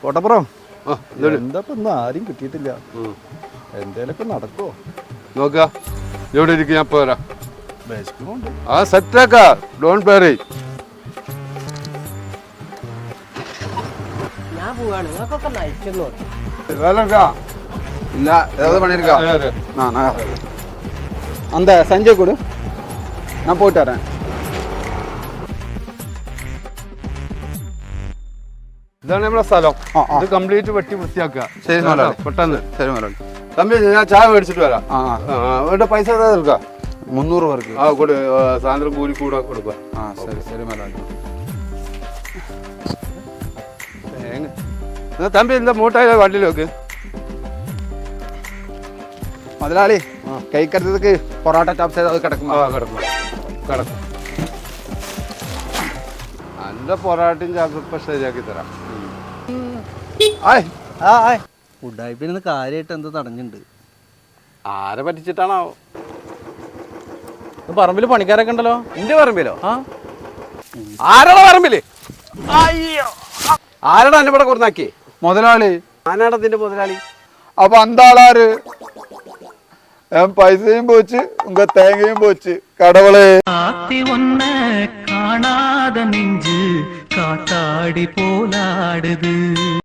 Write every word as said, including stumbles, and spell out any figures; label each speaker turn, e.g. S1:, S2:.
S1: കോട്ടപ്പുറം എന്താ ഇപ്പൊ ആരും കിട്ടിയിട്ടില്ല. എന്തേലൊക്കെ നടക്കുവോ
S2: നോക്ക. എവിടെ ഇരിക്കും, ഞാൻ പോരാ.
S1: വിശക്കുന്നുണ്ട്.
S2: ആ സെറ്റാക്ക, ഡോൺ പേറി.
S3: ഞാൻ പോവാണ്, നിങ്ങൾക്കൊക്കെ നയിക്കുന്നു.
S1: இல்ல ஏதாவது பண்ணிருக்கா? நான் அந்த சஞ்சய் கொடு, நான் போயிட்டு வரேன்.
S2: ഇതാണ് നമ്മുടെ സ്ഥലം. ഇത് കംപ്ലീറ്റ് വെട്ടി വൃത്തിയാക്കുക.
S1: ശരി മുതലാളി,
S2: പെട്ടെന്ന്.
S1: ശരി മുതലാളി.
S2: തമ്പി ഞാൻ ചായ മേടിച്ചിട്ട് വരാം.
S1: ആ
S2: അവരുടെ പൈസ ഏതാ എടുക്കാം?
S1: മുന്നൂറ് പേർക്ക്.
S2: ആ കൊടു, സായന്തരം കൂലി കൂടെ കൊടുക്കുക.
S1: ആ ശരി ശരി മുതലാളി.
S2: തമ്പി എന്താ മൂട്ടായ വണ്ടിയിൽ വെക്ക്.
S1: മുതലാളി കൈക്കടുത്തക്ക് പൊറോട്ട ചോപ്സ് അത് കിടക്കും.
S2: ആ കിടക്കും കിടക്കും. നല്ല പൊറാട്ടയും ചാപ്പിപ്പം ശരിയാക്കി തരാം.
S3: ഉഡായിപ്പിന് കാര്യമായിട്ട് എന്തോ തടഞ്ഞിട്ടുണ്ട്.
S2: ആരെ പറ്റിച്ചിട്ടാണോ?
S3: പറമ്പില് പണിക്കാരൊക്കെ ഉണ്ടല്ലോ.
S2: എന്റെ പറമ്പിലോ? ആ ആരാടാ പറമ്പില്? അയ്യോ, ആരാടാ എന്നെ ഇവിടെ കൊടുത്താക്കി?
S1: മുതലാളി.
S2: ആനാടാ നിന്റെ മുതലാളി?
S1: அப்போ அந்த ஆளாரு என் பைசையும் போச்சு, உங்க தேங்கையும் போச்சு. கடவுளே,
S4: ஆத்தி ஒன்ன காணாத நெஞ்சு காத்தாடி போலாடுது.